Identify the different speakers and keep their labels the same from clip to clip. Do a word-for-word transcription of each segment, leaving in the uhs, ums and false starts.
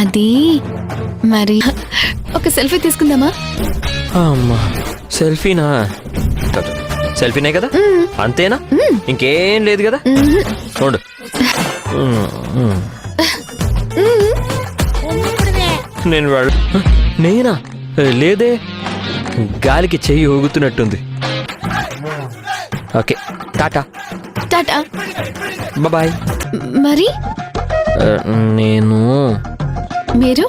Speaker 1: అది మరి ఒక సెల్ఫీ తీసుకుందామా?
Speaker 2: అమ్మా సెల్ఫీనా? సెల్ఫీనే కదా, అంతేనా? ఇంకేం లేదు కదా? చూడు నేను వాడు నేనా? లేదే, గాలికి చెయ్యి ఊగుతున్నట్టుంది. Okay tata
Speaker 1: tata
Speaker 2: bye.
Speaker 1: మరి
Speaker 2: నేను
Speaker 1: మీరు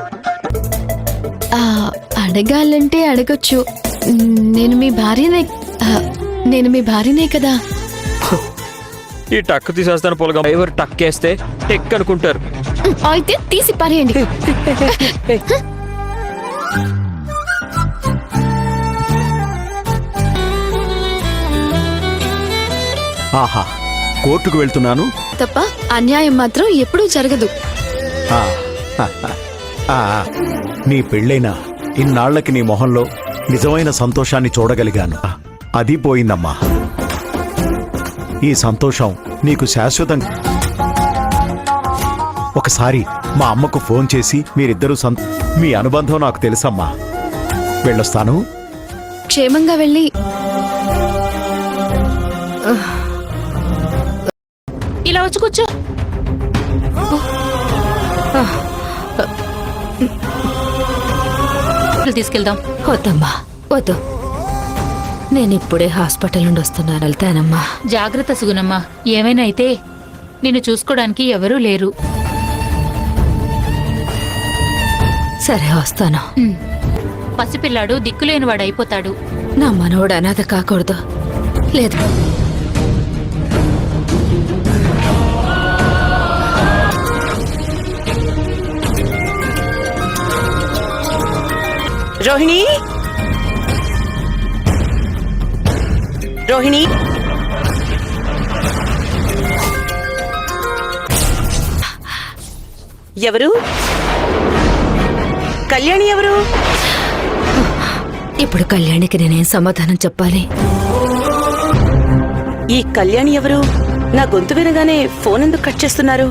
Speaker 1: అడగాలంటే అడగొచ్చు. నేను మీ భార్యనే, నేను మీ భార్యనే కదా.
Speaker 2: ఈ టక్ తీసేస్తాను పొలగా. ఎవరు టక్ వేస్తే టెక్ అనుకుంటారు.
Speaker 1: అయితే తీసి పారేయండి.
Speaker 3: ఆహా, కోర్టుకు వెళ్తున్నాను
Speaker 1: తప్ప అన్యాయం మాత్రం ఎప్పుడూ జరగదు.
Speaker 3: ఆ, ఆ, నీ పెళ్ళైన ఇన్నాళ్లకి నీ మొహంలో నిజమైన సంతోషాన్ని చూడగలిగాను. అది పోయిందమ్మా. ఈ సంతోషం నీకు శాశ్వతం. ఒకసారి మా అమ్మకు ఫోన్ చేసి మీరిద్దరూ సంత మీ అనుబంధం నాకు తెలుసమ్మా. వెళ్ళొస్తాను.
Speaker 1: క్షేమంగా వెళ్ళి
Speaker 4: ఇలా వచ్చి కూర్చో. తీసుకెళ్దాం.
Speaker 5: వద్దమ్మా వద్దు, నేను ఇప్పుడే హాస్పిటల్ నుండి వస్తున్నాను. వెళ్తానమ్మా.
Speaker 4: జాగ్రత్త సుగుణమ్మా. ఏమైనా అయితే నిన్ను చూసుకోవడానికి ఎవరూ లేరు.
Speaker 5: సరే వస్తాను.
Speaker 4: పసిపిల్లాడు దిక్కులేనివాడు అయిపోతాడు.
Speaker 5: నా మనవడు అనాథ కాకూడదు. లేదు,
Speaker 6: రోహిణి, రోహిణి, ఎవరు? కళ్యాణి ఎవరు?
Speaker 5: ఇప్పుడు కళ్యాణికి నేనేం సమాధానం చెప్పాలి?
Speaker 6: ఈ కళ్యాణి ఎవరు? నా గొంతు వినగానే ఫోన్ ఎందుకు కట్ చేస్తున్నారు?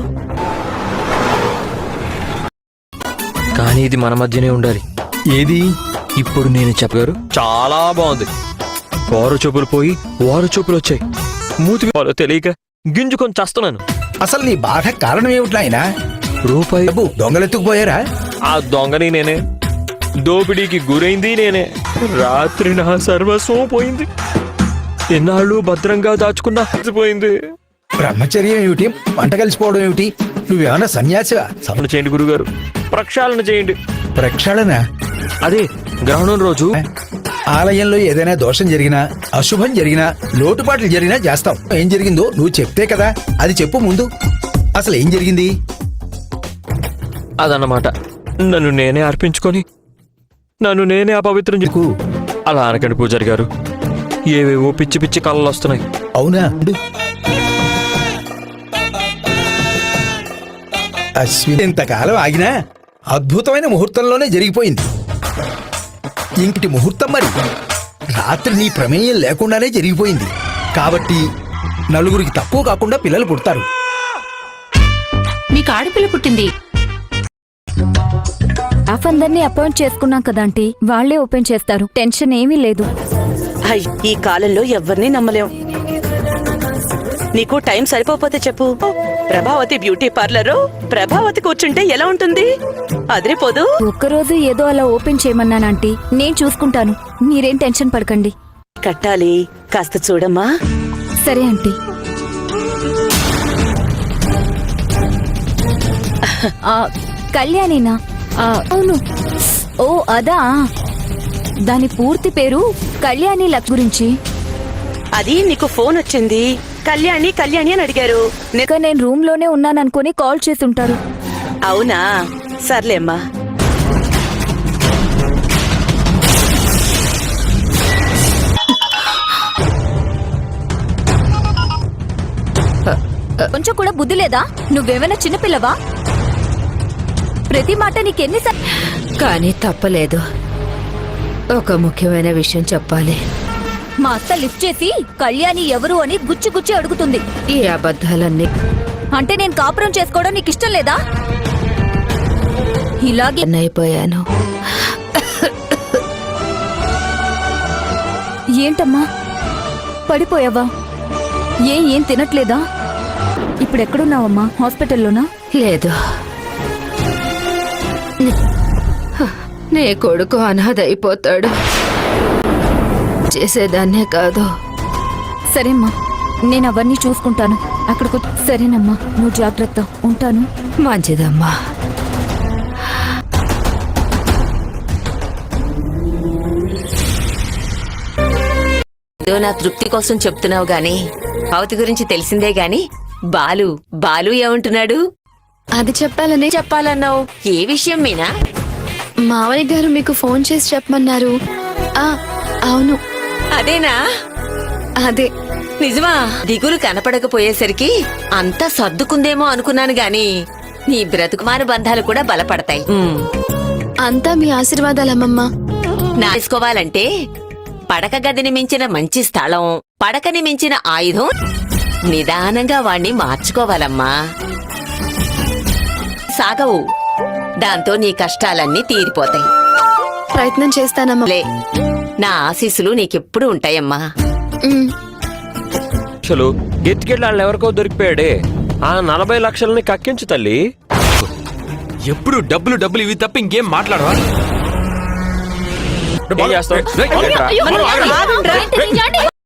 Speaker 2: కానీ ఇది మన మధ్యనే ఉండాలి.
Speaker 3: ఏది?
Speaker 2: ఇప్పుడు నేను చెప్పగారు చాలా బాగుంది. వారు చూపులు పోయి వారు చూపులు వచ్చాయి. మూతి వాళ్ళు తెలియక గింజుకొని చేస్తున్నాను.
Speaker 7: అసలు నీ బాధ కారణం ఏమిటి నాయనా?
Speaker 2: రూపాయి
Speaker 7: డబ్బు దొంగలెత్తుకుపోయారా?
Speaker 2: ఆ దొంగని నేనే, దోపిడీకి గురైంది నేనే. రాత్రి నా సర్వస్వం పోయింది. ఎన్నాళ్ళు భద్రంగా దాచుకున్నా పోయింది.
Speaker 7: బ్రహ్మచర్యం ఏమిటి, మంట కలిసిపోవడం ఏమిటి? నువ్వేమన్నా సన్యాసివా?
Speaker 2: సమణ చేయండి గురుగారు, ప్రక్షాళన చేయండి.
Speaker 7: ప్రక్షాళన?
Speaker 2: అదే గ్రహణం రోజు
Speaker 7: ఆలయంలో ఏదైనా దోషం జరిగినా, అశుభం జరిగినా, లోటుపాట్లు జరిగినా చేస్తాం. ఏం జరిగిందో నువ్వు చెప్తే కదా. అది చెప్పు ముందు. అసలు ఏం జరిగింది?
Speaker 2: అదన్నమాట, నన్ను నేనే అర్పించుకొని నన్ను నేనే అపవిత్రం చెక్కు. అలా అనకండి పూజారి గారు, ఏవేవో పిచ్చి పిచ్చి కళలు వస్తున్నాయి.
Speaker 7: అవునా? అశ్విని ఇంతకాలం ఆగినా అద్భుతమైన ముహూర్తంలోనే జరిగిపోయింది. ఇంకటి ముహూర్తం మరి రాత్రి నీ ప్రమేయం లేకుండానే జరిగిపోయింది. కాబట్టి నలుగురికి తక్కువ కాకుండా పిల్లలు పుడతారు.
Speaker 4: మీకు ఆడపిల్ల పుట్టింది.
Speaker 8: స్టాఫ్ అందరినీ అపాయింట్ చేసుకున్నాం కదాంటీ, వాళ్లే ఓపెన్ చేస్తారు. టెన్షన్ ఏమీ లేదు.
Speaker 6: అయ్, ఈ కాలంలో ఎవరిని నమ్మలేం. నీకు టైం సరిపోతే చెప్పు. ప్రభావతి బ్యూటీ పార్లర్ ప్రభావతి కూర్చుంటే ఎలా ఉంటుంది? అదిరిపోదు.
Speaker 8: ఒక్కరోజు ఏదో అలా ఓపెన్ చేయమన్నానంటీ, నేను చూసుకుంటాను. మీరేం టెన్షన్ పడకండి.
Speaker 6: కట్టాలి, కాస్త చూడమ్మా.
Speaker 8: సరే ఆంటీ. కళ్యాణినా? అవును. ఓ అదా, దాని పూర్తి పేరు కళ్యాణి లక్ గురించి.
Speaker 6: అది నీకు ఫోన్ వచ్చింది, కళ్యాణి కళ్యాణి అని అడిగారు.
Speaker 8: ఇక నేను రూమ్ లోనే ఉన్నాననుకుని కాల్ చేసి ఉంటారు.
Speaker 6: అవునా? సర్లేమ్మా.
Speaker 8: కొంచెం కూడా బుద్ధి లేదా? నువ్వేమైనా చిన్నపిల్లవా? ప్రతి మాట నీకెన్ని స-
Speaker 5: కానీ తప్పలేదు. ఒక ముఖ్యమైన విషయం చెప్పాలి.
Speaker 8: మా అత్త లిఫ్ట్ చేసి కళ్యాణి ఎవరు అని గుచ్చి గుచ్చి అడుగుతుంది.
Speaker 5: ఈ అబద్ధాలన్నీ
Speaker 8: అంటే నేను కాపురం చేసుకోవడం నీకు ఇష్టం లేదా? ఇలాగే
Speaker 5: అయిపోయాను.
Speaker 8: ఏంటమ్మా పడిపోయావా? ఏ ఏం తినట్లేదా? ఇప్పుడు ఎక్కడున్నావమ్మా? హాస్పిటల్లోనా?
Speaker 5: లేదు, నీ కొడుకు అనాథ అయిపోతాడు. చేసేదాన్నే కాదు.
Speaker 8: సరేమ్మా, నేను అవన్నీ చూసుకుంటాను. అక్కడికి సరేనమ్మా, నువ్వు జాగ్రత్త. ఉంటాను.
Speaker 5: మంచిదమ్మా.
Speaker 9: ఏదో నా తృప్తి కోసం చెప్తున్నావు గాని అవతి గురించి తెలిసిందే గాని బాలు బాలు ఏమంటున్నాడు?
Speaker 1: అది చెప్పాలని
Speaker 9: చెప్పాలన్నావు. ఏ విషయం మీనా?
Speaker 1: మావయ్య గారు మీకు ఫోన్ చేసి చెప్పమన్నారు. ఆ అవును,
Speaker 9: అదేనా?
Speaker 1: అదే.
Speaker 9: నిజమా? దిగులు కనపడకపోయేసరికి అంతా సర్దుకుందేమో అనుకున్నాను గాని నీ బ్రతుకుమారు బంధాలు కూడా బలపడతాయి. ఉమ్.
Speaker 1: అంతా మీ ఆశీర్వాదాలమ్మమ్మ.
Speaker 9: నా తీసుకోవాలంటే పడక గదిని మించిన మంచి స్థలం, పడకని మించిన ఆయుధం, నిదానంగా వాణ్ణి మార్చుకోవాలమ్మా. సాగవు. దాంతో నీ కష్టాలన్నీ తీరిపోతాయి.
Speaker 1: ప్రయత్నం చేస్తానమ్మా.
Speaker 9: లే, నా ఆశీస్సులు నీకెప్పుడు ఉంటాయమ్మా.
Speaker 1: ఉమ్.
Speaker 2: అసలు గెత్తికెళ్ళాళ్ళు ఎవరికో దొరికిపోయాడే, ఆ నలభై లక్షలని కక్కించు తల్లి.
Speaker 10: ఎప్పుడు డబ్బులు డబ్బులు ఇవి తప్ప ఇంకేం మాట్లాడవా?
Speaker 2: ఏం చేస్తావ్?
Speaker 6: ఆగండ్రా.